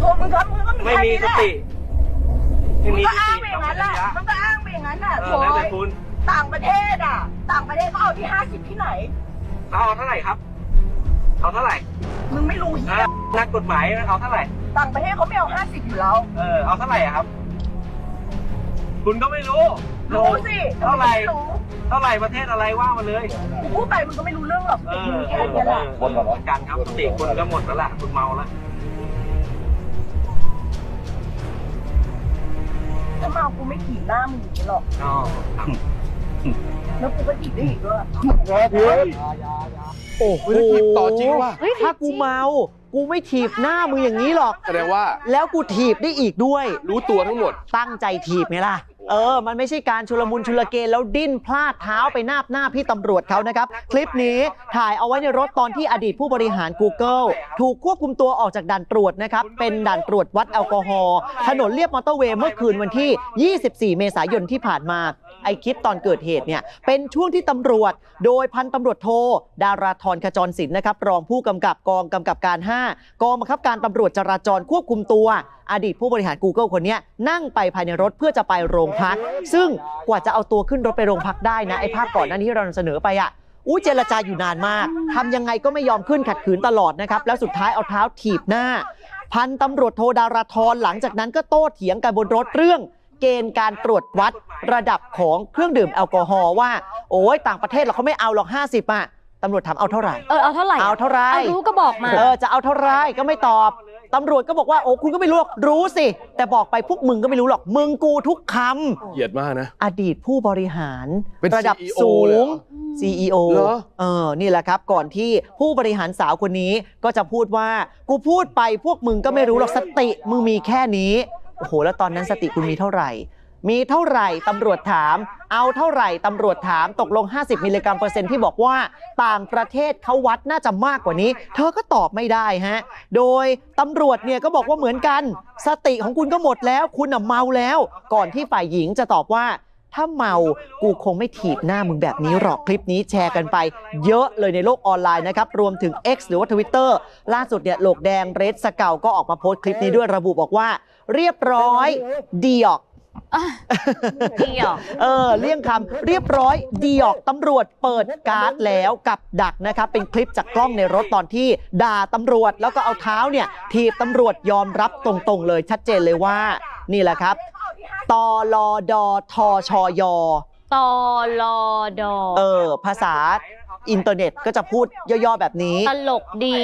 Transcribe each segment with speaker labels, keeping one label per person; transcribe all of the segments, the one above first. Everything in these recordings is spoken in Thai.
Speaker 1: ตัวมึงก็มี
Speaker 2: ไม่มีสติ
Speaker 1: มึงก็อ้างไปอย่างนั้นแหละมึงก็อ้างไปอย่างนั้นน่ะโถ่
Speaker 2: แล้วแต่คุณ
Speaker 1: ต่างประเทศต่างประเทศเขาเอาที่50ที่ไหน
Speaker 2: เอาเท่าไหร่ครับ เอาเท่าไหร่
Speaker 1: มึงไม่รู้เหี้ย
Speaker 2: นักกฎหมายเอาเท่าไหร่
Speaker 1: ต่างประเทศเขาไม่เอา50อยู่แล้ว
Speaker 2: เอาเท่าไหร่ครับ คุณก็ไม่รู้
Speaker 1: รู้สิ
Speaker 2: เท่าไหร่
Speaker 1: ไม่รู้
Speaker 2: เท่าไหร่ประเทศอะไรว่ามาเลย
Speaker 1: กูพูดไปมึงก็ไม่รู้เรื่องหรอกมึงแค่นี้แหละ
Speaker 2: หมดกันครับสติคุณก็หมดแล้วล่ะคุณเมาแล้ว
Speaker 1: ถ้าเมากูไม่ขี่หน้ามึงอย่างนี้หรอก
Speaker 2: อ๋อ
Speaker 1: แล้วกูก็ขี่ได้อีกด้วย
Speaker 3: โอ้โหต่อจริงว่ะ
Speaker 4: ถ้ากูเมา กูไม่ถีบหน้ามึงอย่างนี้หรอก
Speaker 3: แสดงว่า
Speaker 4: แล้วกูถีบได้อีกด้วย
Speaker 3: รู้ตัวทั้งหมด
Speaker 4: ตั้งใจถีบไงล่ะ มันไม่ใช่การชุลมุนชุลเกแล้วดิ้นพลาดเท้าไปนาบหน้าพี่ตำรวจเขานะครับ คลิปนี้ถ่ายเอาไว้ในรถตอนที่อดีตผู้บริหาร Google ถูกควบคุมตัวออกจากด่านตรวจนะครับ เป็นด่านตรวจวัดแอลกอฮอล์ถนนเลียบมอเตอร์เวย์เมื่อคืนวันที่ 24 เมษายนที่ผ่านมา ไอคลิปตอนเกิดเหตุเนี่ยเป็นช่วงที่ตำรวจโดยพันตำรวจโทดาราธรขจรศิลป์นะครับรองผู้กำกับกองกำกับการ 5 กองบังคับการตำรวจจราจรควบคุมตัวอดีตผู้บริหาร Google คนนี้นั่งไปภายในรถเพื่อจะไปโรงพักซึ่งกว่าจะเอาตัวขึ้นรถไปโรงพักได้นะไอภาพก่อนหน้านี้ที่เรานำเสนอไปเจรจาอยู่นานมากทำยังไงก็ไม่ยอมขึ้นขัดขืนตลอดนะครับแล้วสุดท้ายเอาเท้าถีบหน้าพันตำรวจโทดาราธรหลังจากนั้นก็โต้เถียงกันบนรถเรื่องเกณฑ์การตรวจวัดระดับของเครื่องดื่มแอลกอฮอล์ว่าโอ้ยต่างประเทศเขาไม่เอาหรอก50ตำรวจถามเอาเท่าไหร่
Speaker 5: เอาเท่าไหร่
Speaker 4: เอาเท่าไหร่
Speaker 5: เอารู้ก็บอกมา
Speaker 4: จะเอาเท่าไหร่ก็ไม่ตอบตำรวจก็บอกว่าโอ้คุณก็ไม่รู้หรอกรู้สิแต่บอกไปพวกมึงก็ไม่รู้หรอกมึงกูทุกคำ
Speaker 3: เหยียดมากนะ
Speaker 4: อดีตผู้บริหาร
Speaker 3: เป็น
Speaker 4: ระดับ
Speaker 3: CEO
Speaker 4: สู
Speaker 3: เลยเห
Speaker 4: ง
Speaker 3: รอ
Speaker 4: CEO
Speaker 3: เหรอ
Speaker 4: นี่แหละครับก่อนที่ผู้บริหารสาวคนนี้ก็จะพูดว่ากูพูดไปพวกมึงก็ไม่รู้หรอกสติมึงมีแค่นี้โอ้โหแล้วตอนนั้นสติคุณมีเท่าไหร่มีเท่าไหร่ตำรวจถามเอาเท่าไหร่ตำรวจถามตกลง50มิลลิกรัมเปอร์เซ็นต์ที่บอกว่าต่างประเทศเขาวัดน่าจะมากกว่านี้เธอก็ตอบไม่ได้ฮะโดยตำรวจเนี่ยก็บอกว่าเหมือนกันสติของคุณก็หมดแล้วคุณเมาแล้วก่อนที่ฝ่ายหญิงจะตอบว่าถ้าเมากูคงไม่ถีบหน้ามึงแบบนี้หรอกคลิปนี้แชร์กันไปเยอะเลยในโลกออนไลน์นะครับรวมถึง X หรือว่า Twitter ล่าสุดเนี่ยโหลกแดงเรดสเกาก็ออกมาโพสต์คลิปนี้ด้วยระบุบอกว่าเรียบร้อยดีออก
Speaker 5: ดีออก
Speaker 4: เลี่ยงคำเรียบร้อยดีออกตำรวจเปิดการ์ดแล้วกับดักนะครับเป็นคลิปจากกล้องในรถตอนที่ด่าตำรวจแล้วก็เอาเท้าเนี่ยถีบตำรวจยอมรับตรงๆเลยชัดเจนเลยว่านี่แหละครับตลดทชย
Speaker 5: ตลด
Speaker 4: ภาษาอินเทอร์เน็ตก็จะพูดย่อๆแบบนี้
Speaker 5: ตลกดี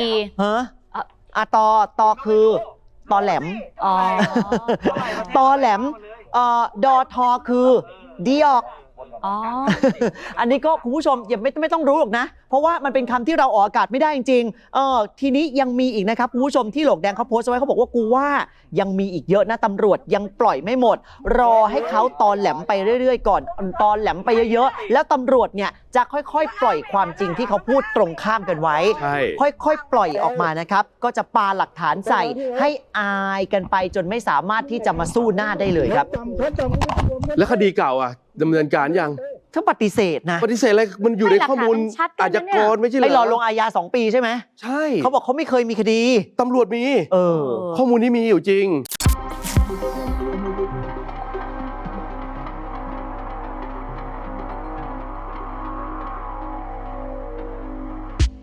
Speaker 4: ตคือตอแหลมตอแหลมดอทอคือดีออกอันนี้ก็คุณผู้ชมอย่าไม่ต้องรู้หรอกนะเพราะว่ามันเป็นคำที่เราออกอากาศไม่ได้จริงๆทีนี้ยังมีอีกนะครับคุณผู้ชมที่โหลกแดงเขาโพสต์ไว้เขาบอกว่ากูว่ายังมีอีกเยอะนะตำรวจยังปล่อยไม่หมดรอให้เขาตอนแหลมไปเรื่อยๆก่อนตอนแหลมไปเยอะๆแล้วตำรวจเนี่ยจะค่อยๆปล่อยความจริงที่เขาพูดตรงข้ามกันไว้ค่อยๆปล่อยออกมานะครับก็จะปาหลักฐานใส่ให้อายกันไปจนไม่สามารถที่จะมาสู้หน้าได้เลยครับ
Speaker 3: แล้วคดีเก่าดำเนินการยัง
Speaker 4: ถ้าปฏิเสธนะ
Speaker 3: ปฏิเสธอะไรมันอยู่ในข้อมูลอาชญากรไม่ใช่เหรอ
Speaker 4: ไปรอลงอาญา2 ปีใช่ไหม
Speaker 3: ใช่
Speaker 4: เขาบอกเขาไม่เคยมีคดี
Speaker 3: ตำรวจมีข้อมูลนี้มีอยู่จริง